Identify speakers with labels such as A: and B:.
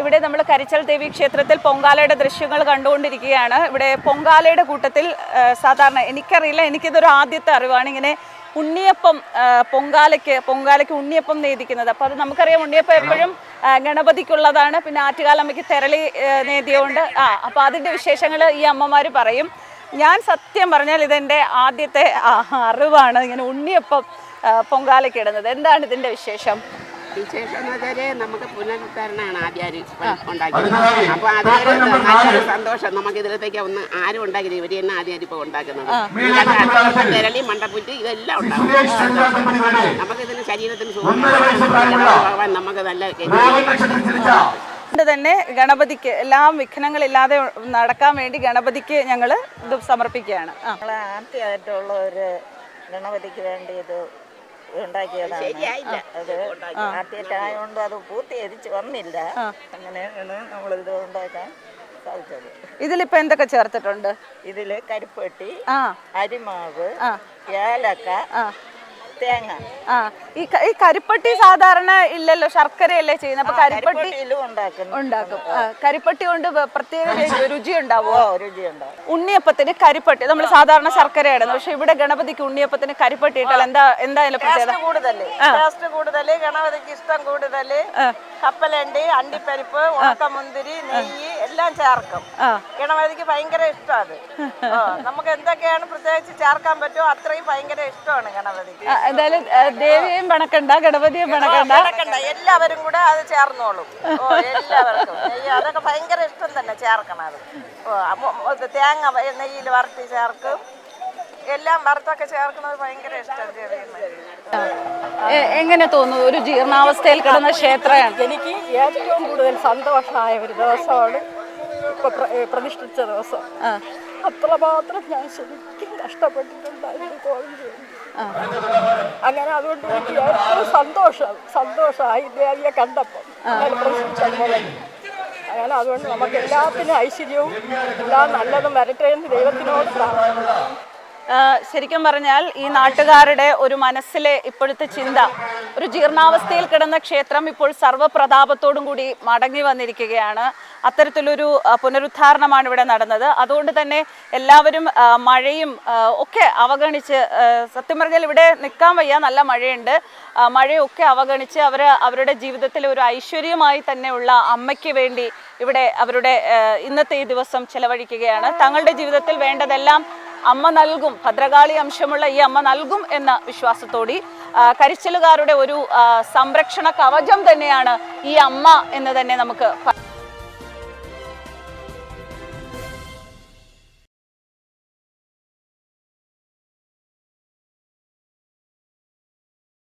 A: ഇവിടെ നമ്മൾ കരിച്ചൽ ദേവി ക്ഷേത്രത്തിൽ പൊങ്കാലയുടെ ദൃശ്യങ്ങൾ കണ്ടുകൊണ്ടിരിക്കുകയാണ്. ഇവിടെ പൊങ്കാലയുടെ കൂട്ടത്തിൽ സാധാരണ എനിക്കറിയില്ല, എനിക്കിതൊരു ആദ്യത്തെ അറിവാണ് ഇങ്ങനെ ഉണ്ണിയപ്പം പൊങ്കാലയ്ക്ക് ഉണ്ണിയപ്പം നേദിക്കുന്നത്. അപ്പോൾ അത് നമുക്കറിയാം, ഉണ്ണിയപ്പം എപ്പോഴും ഗണപതിക്കുള്ളതാണ്. പിന്നെ ആറ്റുകാലമ്മയ്ക്ക് തെരളി നേദിയുണ്ട്. അപ്പോൾ അതിൻ്റെ വിശേഷങ്ങൾ ഈ അമ്മമാർ പറയും. ഞാൻ സത്യം പറഞ്ഞാൽ ഇതെൻ്റെ ആദ്യത്തെ അറിവാണ്, ഇങ്ങനെ ഉണ്ണിയപ്പം പൊങ്കാലയ്ക്ക് ഇടുന്നത്. എന്താണ് ഇതിൻ്റെ വിശേഷം?
B: വിശേഷം എന്ന് വെച്ചാൽ നമുക്ക് പുനരുദ്ധാരണമാണ് ആദ്യം ഉണ്ടാക്കിയത്. അപ്പോൾ അതൊരു നല്ലൊരു സന്തോഷം. നമുക്ക് ഇതിലത്തേക്ക് ഒന്ന് ആരും ഉണ്ടാക്കിയത് ഇവർ തന്നെ ആദ്യം ഇപ്പോൾ ഉണ്ടാക്കുന്നത്. തിരളി മണ്ടപ്പുറ്റ് ഇതെല്ലാം ഉണ്ടാകും. നമുക്കിതിന് ശരീരത്തിന് സുഖം, നമുക്ക് നല്ല
A: തന്നെ ഗണപതിക്ക് എല്ലാം വിഘ്നങ്ങളില്ലാതെ നടക്കാൻ വേണ്ടി ഗണപതിക്ക് ഞങ്ങൾ ഇത് സമർപ്പിക്കുകയാണ്.
C: ആദ്യമായിട്ടുള്ള ഒരു ഗണപതിക്ക് വേണ്ടി ഇത് ഉണ്ടാക്കിയതാണ്. അത് ആദ്യമായിട്ടായതുകൊണ്ട് അത് പൂർത്തീകരിച്ച് വന്നില്ല. അങ്ങനെയാണ് നമ്മളിത് ഉണ്ടാക്കാൻ സാധിച്ചത്.
A: ഇതിലിപ്പോ എന്തൊക്കെ ചേർത്തിട്ടുണ്ട്?
C: ഇതില് കരിപ്പെട്ടി, അരിമാവ്, ഏലക്ക, തേങ്ങ.
A: ഈ കരിപ്പട്ടി സാധാരണ ഇല്ലല്ലോ, ശർക്കരയല്ലേ ചെയ്യുന്നത്. അപ്പൊ കരിപ്പട്ടി ഉണ്ടാക്കും. കരിപ്പട്ടി കൊണ്ട് പ്രത്യേക രുചി ഉണ്ടാവുമോ?
C: രുചിയുണ്ടാവും.
A: ഉണ്ണിയപ്പത്തിന് കരിപ്പട്ടി നമ്മൾ സാധാരണ ശർക്കരയാണ്, പക്ഷെ ഇവിടെ ഗണപതിക്ക് ഉണ്ണിയപ്പത്തിന് കരിപ്പട്ടി ഇട്ടാൽ എന്തായാലും
C: ടേസ്റ്റ് കൂടുതൽ, ഗണപതിക്ക് ഇഷ്ടം കൂടുതൽ. കപ്പലണ്ടി, അണ്ടിപ്പരിപ്പ്, ഉണക്കമുന്തിരി, നെയ്യ് എല്ലാം ചേർക്കും. ഗണപതിക്ക് ഭയങ്കര ഇഷ്ടമാണ്. നമുക്ക് എന്തൊക്കെയാണ് പ്രത്യേകിച്ച് ചേർക്കാൻ പറ്റുമോ അത്രയും ഭയങ്കര ഇഷ്ടമാണ് ഗണപതിക്ക്.
A: എന്തായാലും ദേവിയെയും പണക്കണ്ട, ഗണപതിയും പണക്കണ്ട,
C: എല്ലാവരും കൂടെ അത് ചേർന്നോളും. എല്ലാവർക്കും നെയ്യ് അതൊക്കെ ഭയങ്കര ഇഷ്ടം തന്നെ ചേർക്കണം. അത് തേങ്ങ നെയ്യിൽ വറുത്തി ചേർക്കും. എല്ലാം വറുത്തൊക്കെ ചേർക്കുന്നത് ഭയങ്കര ഇഷ്ടം.
A: എങ്ങനെ തോന്നുന്നു ഒരു ജീർണാവസ്ഥയിൽ കിടന്ന ക്ഷേത്രമാണ്?
D: എനിക്ക് ഏറ്റവും കൂടുതൽ സന്തോഷമായ ഒരു ദിവസമാണ് ഇപ്പൊ പ്രതിഷ്ഠിച്ച ദിവസം. അത്രമാത്രം ഞാൻ ശരിക്കും കഷ്ടപ്പെട്ടിട്ടുണ്ടായിരുന്നു കോവിഡ്. അങ്ങനെ അതുകൊണ്ട് എനിക്ക് ഏറ്റവും സന്തോഷമായി ദേവിയെ കണ്ടപ്പോൾ അങ്ങനെ. അതുകൊണ്ട് നമുക്ക് എല്ലാത്തിനും ഐശ്വര്യവും എല്ലാം നല്ലതും വരട്ടെ എന്ന് ദൈവത്തിനോട് പ്രാർത്ഥിക്കുന്നു.
A: ശരിക്കും പറഞ്ഞാൽ ഈ നാട്ടുകാരുടെ ഒരു മനസ്സിലെ ഇപ്പോഴത്തെ ചിന്ത, ഒരു ജീർണാവസ്ഥയിൽ കിടന്ന ക്ഷേത്രം ഇപ്പോൾ സർവ്വപ്രതാപത്തോടും കൂടി മടങ്ങി വന്നിരിക്കുകയാണ്. അത്തരത്തിലൊരു പുനരുദ്ധാരണമാണ് ഇവിടെ നടന്നത്. അതുകൊണ്ട് തന്നെ എല്ലാവരും മഴയും ഒക്കെ അവഗണിച്ച്, സത്യം പറഞ്ഞാൽ ഇവിടെ നിൽക്കാൻ വയ്യ, നല്ല മഴയുണ്ട്. മഴയൊക്കെ അവഗണിച്ച് അവരുടെ ജീവിതത്തിൽ ഒരു ഐശ്വര്യമായി തന്നെയുള്ള അമ്മയ്ക്ക് വേണ്ടി ഇവിടെ അവരുടെ ഇന്നത്തെ ഈ ദിവസം ചെലവഴിക്കുകയാണ്. തങ്ങളുടെ ജീവിതത്തിൽ വേണ്ടതെല്ലാം അമ്മ നൽകും, ഭദ്രകാളി അംശമുള്ള ഈ അമ്മ നൽകും എന്ന വിശ്വാസത്തോടെ കരിച്ചിലുകാരുടെ ഒരു സംരക്ഷണ കവചം തന്നെയാണ് ഈ അമ്മ എന്ന് തന്നെ നമുക്ക്